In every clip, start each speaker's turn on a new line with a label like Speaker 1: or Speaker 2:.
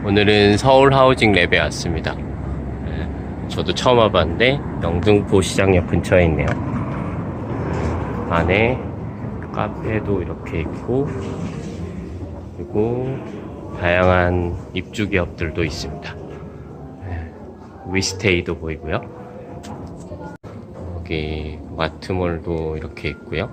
Speaker 1: 오늘은 서울 하우징 랩에 왔습니다. 저도 처음 와봤는데 영등포 시장역 근처에 있네요. 안에 카페도 이렇게 있고, 그리고 다양한 입주 기업들도 있습니다. 위스테이도 보이고요. 여기 마트몰도 이렇게 있고요.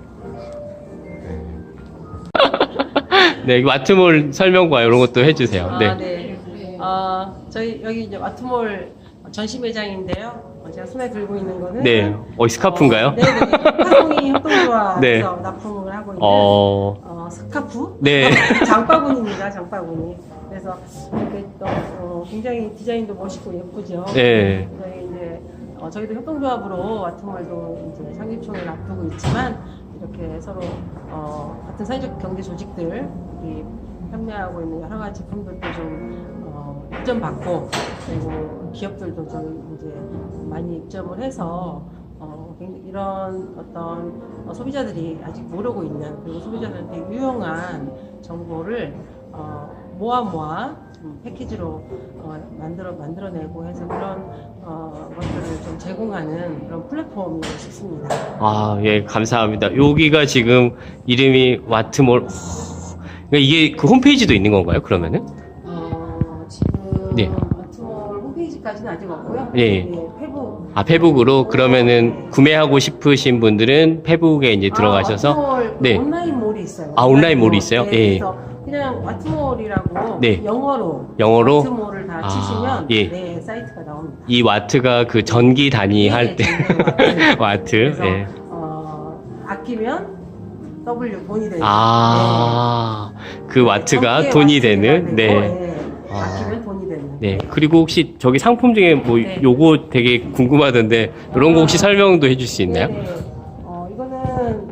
Speaker 1: 네, 마트몰 설명과 이런 것도 해주세요. 네.
Speaker 2: 네. 저희 여기 이제 마트몰 전시 매장인데요. 제가 손에 들고 있는 거는
Speaker 1: 네. 스카프인가요?
Speaker 2: 네네. 화송이 협동조합에서
Speaker 1: 네.
Speaker 2: 납품을 하고 있는 스카프?
Speaker 1: 네.
Speaker 2: 장바구니입니다. 장바구니. 그래서 이렇게 또 굉장히 디자인도 멋있고 예쁘죠.
Speaker 1: 네.
Speaker 2: 저희 이제 저희도 협동조합으로 마트몰도 이제 상립총을 앞두고 있지만 이렇게 서로 같은 사회적 경제 조직들이 판매하고 있는 여러 가지 제품들도 좀 입점받고, 그리고 기업들도 좀 이제 많이 입점을 해서 이런 어떤 소비자들이 아직 모르고 있는, 그리고 소비자들한테 유용한 정보를 모아 패키지로 만들어내고 해서 그런 것들을 좀 제공하는 그런 플랫폼이 싶습니다.
Speaker 1: 예, 감사합니다. 여기가 지금 이름이 마트몰. 그러니까 이게 그 홈페이지도 있는 건가요, 그러면은?
Speaker 2: 지금
Speaker 1: 네.
Speaker 2: 마트몰 홈페이지까지는 아직 없고요.
Speaker 1: 네.
Speaker 2: 페북.
Speaker 1: 페북으로 그러면은 구매하고 싶으신 분들은 페북에 이제 들어가셔서.
Speaker 2: 마트몰
Speaker 1: 네.
Speaker 2: 온라인 몰이 있어요.
Speaker 1: 온라인 몰이 있어요?
Speaker 2: 네,
Speaker 1: 예.
Speaker 2: 그래서 그냥 마트몰이라고
Speaker 1: 네.
Speaker 2: 영어로
Speaker 1: 영어로?
Speaker 2: 마트몰을 다 치시면
Speaker 1: 예.
Speaker 2: 네, 사이트가 나옵니다.
Speaker 1: 이 와트가 그 전기 단위
Speaker 2: 네,
Speaker 1: 할 때.
Speaker 2: 전기
Speaker 1: 와트.
Speaker 2: 그래서
Speaker 1: 예.
Speaker 2: 아끼면 W 돈이 되는.
Speaker 1: 그 와트가
Speaker 2: 전기의
Speaker 1: 돈이
Speaker 2: 와트가
Speaker 1: 되는.
Speaker 2: 되고,
Speaker 1: 네.
Speaker 2: 아끼면 돈이 되는.
Speaker 1: 네. 그리고 혹시 저기 상품 중에 뭐
Speaker 2: 네.
Speaker 1: 요거 되게 궁금하던데 이런 거 혹시 설명도 해줄 수 있나요?
Speaker 2: 네네. 이거는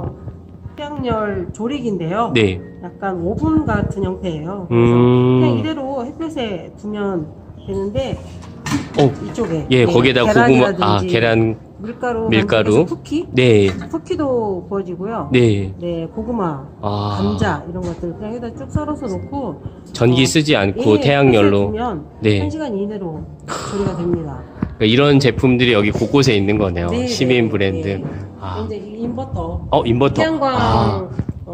Speaker 2: 태양열 조리기인데요.
Speaker 1: 네.
Speaker 2: 약간 오븐 같은 형태예요. 그래서 그냥 이대로 햇볕에 두면 되는데 이쪽에
Speaker 1: 예, 거기에다 고구마,
Speaker 2: 계란이라든지
Speaker 1: 계란,
Speaker 2: 밀가루,
Speaker 1: 밀가루.
Speaker 2: 쿠키,
Speaker 1: 네,
Speaker 2: 쿠키도 구워지고요.
Speaker 1: 네.
Speaker 2: 네, 고구마, 감자 이런 것들 그냥 여기다 쭉 썰어서 놓고
Speaker 1: 전기 쓰지 않고 태양열로.
Speaker 2: 두면
Speaker 1: 네.
Speaker 2: 1시간 이내로 조리가 됩니다.
Speaker 1: 그러니까 이런 제품들이 여기 곳곳에 있는 거네요.
Speaker 2: 네,
Speaker 1: 시민
Speaker 2: 네,
Speaker 1: 브랜드.
Speaker 2: 네. 이제 인버터.
Speaker 1: 인버터.
Speaker 2: 태양광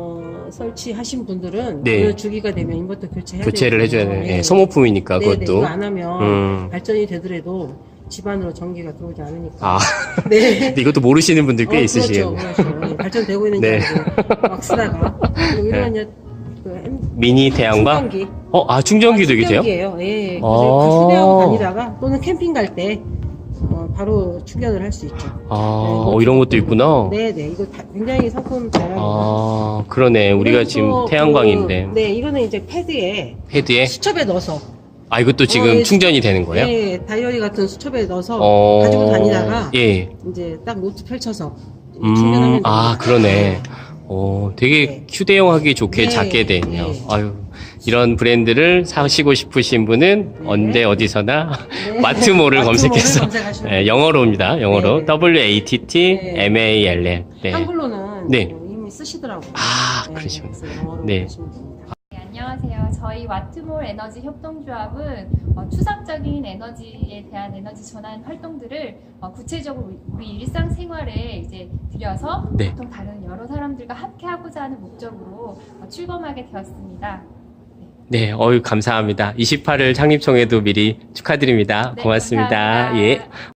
Speaker 2: 설치하신 분들은
Speaker 1: 네.
Speaker 2: 그 주기가 되면 인버터
Speaker 1: 교체를 해줘야 돼요. 네, 소모품이니까
Speaker 2: 네, 네,
Speaker 1: 그것도.
Speaker 2: 이거 안 하면 발전이 되더라도 집안으로 전기가 들어오지 않으니까. 네.
Speaker 1: 근데 이것도 모르시는 분들 꽤 있으시겠네요.
Speaker 2: 그렇죠. 네, 발전되고 있는지
Speaker 1: 네.
Speaker 2: 막 쓰다가. 그리고 이런
Speaker 1: 네.
Speaker 2: 그
Speaker 1: 미니 태양광?
Speaker 2: 충전기.
Speaker 1: 충전기도 이게 돼요?
Speaker 2: 충전기예요. 예. 그래서 휴대하고 다니다가 또는 캠핑 갈 때 바로 충전을 할 수 있죠.
Speaker 1: 이런 것도 있구나.
Speaker 2: 네네. 이거 굉장히 상품 다양합니다.
Speaker 1: 그러네. 우리가 지금 태양광인데.
Speaker 2: 네, 이거는 이제 패드에
Speaker 1: 헤드에?
Speaker 2: 수첩에 넣어서.
Speaker 1: 이것도 지금
Speaker 2: 예,
Speaker 1: 충전이 되는 거예요?
Speaker 2: 네, 다이어리 같은 수첩에 넣어서 가지고 다니다가
Speaker 1: 예.
Speaker 2: 이제 딱 노트 펼쳐서 충전하면 됩니다.
Speaker 1: 그러네. 되게
Speaker 2: 네.
Speaker 1: 휴대용하기 좋게
Speaker 2: 네,
Speaker 1: 작게 돼 있네요.
Speaker 2: 네.
Speaker 1: 이런 브랜드를 사시고 싶으신 분은
Speaker 2: 네.
Speaker 1: 언제 어디서나
Speaker 2: 네.
Speaker 1: 마트몰을
Speaker 2: 마트몰을
Speaker 1: 검색해서
Speaker 2: 검색하시면
Speaker 1: 네, 영어로입니다. 영어로
Speaker 2: 네.
Speaker 1: WATTMALL. 네.
Speaker 2: 한글로는
Speaker 1: 네.
Speaker 2: 이미 쓰시더라고요.
Speaker 1: 그러시구나.
Speaker 2: 그래서 영어로
Speaker 1: 네.
Speaker 2: 보시면 됩니다.
Speaker 3: 네, 안녕하세요. 저희 와트몰 에너지 협동조합은 추상적인 에너지에 대한 에너지 전환 활동들을 구체적으로 우리 일상생활에 이제 들여서
Speaker 1: 네.
Speaker 3: 보통 다른 여러 사람들과 함께하고자 하는 목적으로 출범하게 되었습니다.
Speaker 1: 네, 감사합니다. 28일 창립총회도 미리 축하드립니다.
Speaker 3: 네,
Speaker 1: 고맙습니다.
Speaker 3: 감사합니다.
Speaker 1: 예.